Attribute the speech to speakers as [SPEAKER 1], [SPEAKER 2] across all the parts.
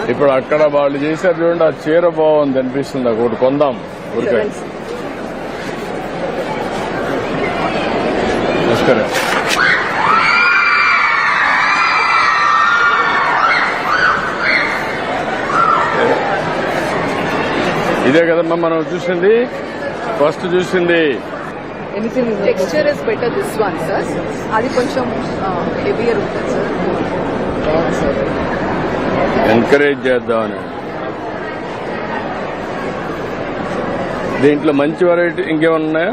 [SPEAKER 1] ఇప్పుడు అక్కడ వాళ్ళు చేశారు చూడండి, ఆ చీర బాగుంది అనిపిస్తుంది, ఒకటి కొందాం ఊరికే. నమస్కారం. ఇదే కదమ్మా మనం చూసింది, ఫస్ట్ చూసింది.
[SPEAKER 2] Texture is better this one sir, అది కొంచెం హెవియర్ ఉంటుంది సార్.
[SPEAKER 1] ఎంకరేజ్ చేద్దామని. దీంట్లో మంచి వెరైటీ ఇంకేమన్నా ఉన్నాయా?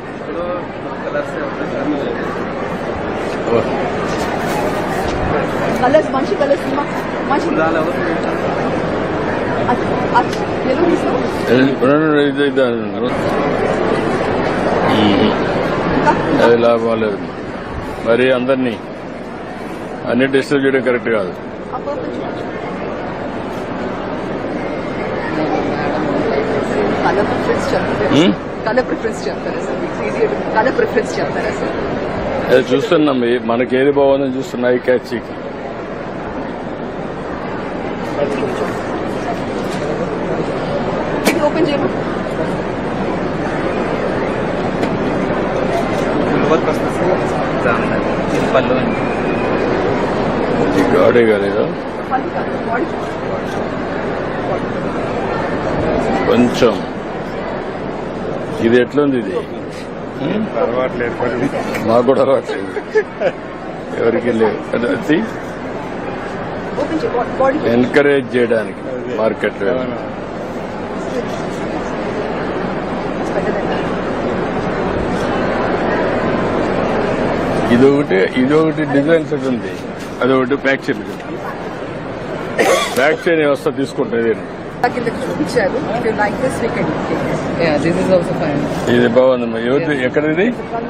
[SPEAKER 2] కలర్స్ మంచి కలర్స్ మంచి
[SPEAKER 1] అది లాభం లేదు. మరి అందరినీ అన్ని డిస్టర్బ్ చేయడం కరెక్ట్ కాదు.
[SPEAKER 2] కలర్ ప్రిఫరెన్స్ చెప్తారా సార్?
[SPEAKER 1] అది చూస్తున్నాం, మనకి ఏది బాగుందని చూస్తున్నా. ఈ క్యాచ్
[SPEAKER 2] ఓపెన్ చేయమా.
[SPEAKER 1] గాడే కాలేదా కొంచెం? ఇది ఎట్లుంది? ఇది మాకు కూడా అలవాట్లేదు, ఎవరికి లేదు. ఎంకరేజ్ చేయడానికి మార్కెట్. ఇదొకటి డిజైన్ సెట్ ఉంది, అదొకటి బ్యాక్ చైన్. బ్యాక్ చైన్ వ్యవస్థ తీసుకుంటుంది. ఇది బాగుందమ్మా. ఎక్కడ ఇది?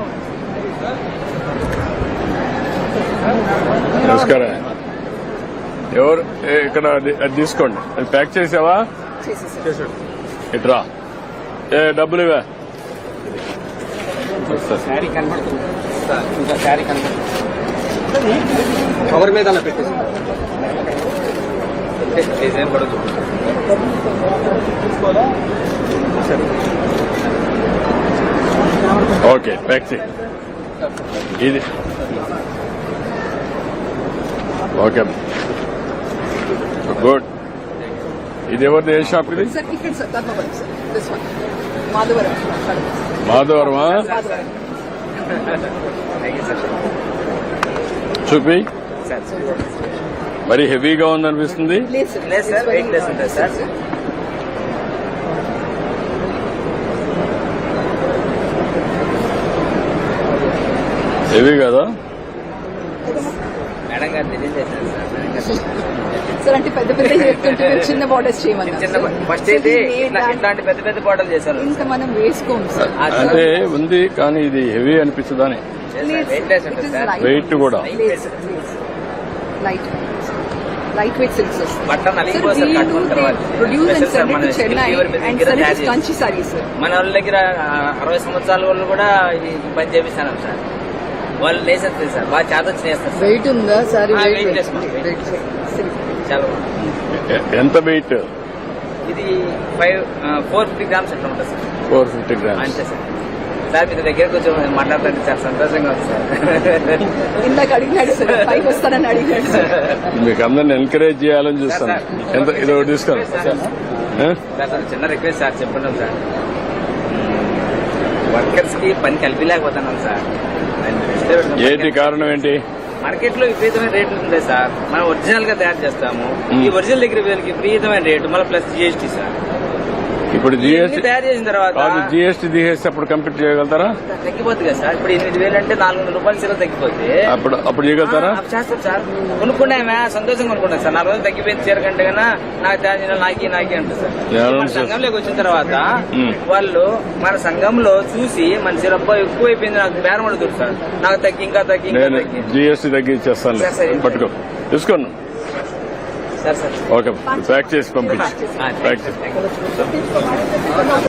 [SPEAKER 1] నమస్కారం. ఎవరు ఇక్కడ? అది తీసుకోండి. అది ప్యాక్ చేసావా? ఇట్రా. డబ్బులు ఇవా?
[SPEAKER 3] కవర్ మీద పెట్టేసి డిజైన్ పడదు.
[SPEAKER 1] ఓకే, ప్యాక్ చేయి. ఇది ఓకే, గుడ్. ఇది ఎవరిది? ఏ షాప్ ఇది? మాధవరమా? చూపి. మరి హెవీగా ఉందనిపిస్తుంది. హెవీ కదా?
[SPEAKER 2] సార్ అంటే పెద్ద చిన్న బార్డర్స్ చేయమన్నారు.
[SPEAKER 3] ఫస్ట్ అయితే ఇట్లాంటి పెద్ద పెద్ద బార్డర్ చేశారు.
[SPEAKER 2] ఇంకా మనం వేసుకోము సార్.
[SPEAKER 1] అంటే ఉంది కానీ ఇది హెవీ అనిపించదని. వెయిట్ కూడా
[SPEAKER 2] light weight silks Kanchi saris.
[SPEAKER 3] మన వాళ్ళ దగ్గర 60 సంవత్సరాల వాళ్ళు కూడా ఈ పని చేపిస్తాను సార్. వాళ్ళు లేసేస్తారు సార్, బాగా చేత వచ్చి చేస్తారు.
[SPEAKER 2] వెయిట్ ఉందా సారీ?
[SPEAKER 3] చాలా.
[SPEAKER 1] ఎంత వెయిట్?
[SPEAKER 3] ఇది 450 గ్రామ్స్ అట్లా ఉంటుంది సార్.
[SPEAKER 1] 450 గ్రామ్స్
[SPEAKER 3] అంతే సార్. సార్ మీ దగ్గర కొంచెం మాట్లాడుతుంటే చాలా సంతోషంగా ఉంది సార్.
[SPEAKER 2] ఇందాక అడిగినాడు సార్, పైకి వస్తానని అడిగాడు సార్.
[SPEAKER 1] మీకు అందరిని ఎంకరేజ్ చేయాలని చూస్తాను. ఎంత ఇది ఒకటి తీసుకోండి
[SPEAKER 3] సార్. చిన్న రిక్వెస్ట్ సార్, చెప్పండి సార్. వర్కర్స్ కి పని కలిపిలేకపోతున్నాం సార్.
[SPEAKER 1] ఏంటి కారణం? ఏంటి?
[SPEAKER 3] మార్కెట్ లో విపరీతమైన రేట్లు ఉంది సార్. మనం ఒరిజినల్ గా తయారు చేస్తాము. ఈ ఒరిజినల్ దగ్గర విపరీతమైన రేటు, మళ్ళీ ప్లస్ జిఎస్టీ సార్.
[SPEAKER 1] ఇప్పుడు జిఎస్టీ
[SPEAKER 3] తయారు చేసిన తర్వాత
[SPEAKER 1] జిఎస్టీ తీసేసి అప్పుడు కంప్లీట్ చేయగలుగుతారా?
[SPEAKER 3] తగ్గిపోతుంది కదా సార్. ఇప్పుడు 8,000 అంటే 400 రూపాయలు సీర తగ్గిపోతే
[SPEAKER 1] అప్పుడు చేయగలుగుతారా?
[SPEAKER 3] చేస్తాం సార్. కొనుక్కున్నామే సంతోషంగా కొనుక్కున్నాం సార్. 4 రోజులు తగ్గిపోయింది చీర కంటే కన్నా నాకు తయారు చేయాలి, నాకే అంటారు సార్. మన సంఘంలోకి వచ్చిన తర్వాత వాళ్ళు మన సంఘంలో చూసి మన చీర ఎక్కువ అయిపోయింది, నాకు బేరం అడుగుతారు సార్. నాకు తగ్గి ఇంకా తగ్గి
[SPEAKER 1] జిఎస్టీ తగ్గించేస్తాను, పట్టుకో తీసుకోండి. ఓకే, ప్యాక్ చేసి పంపించి.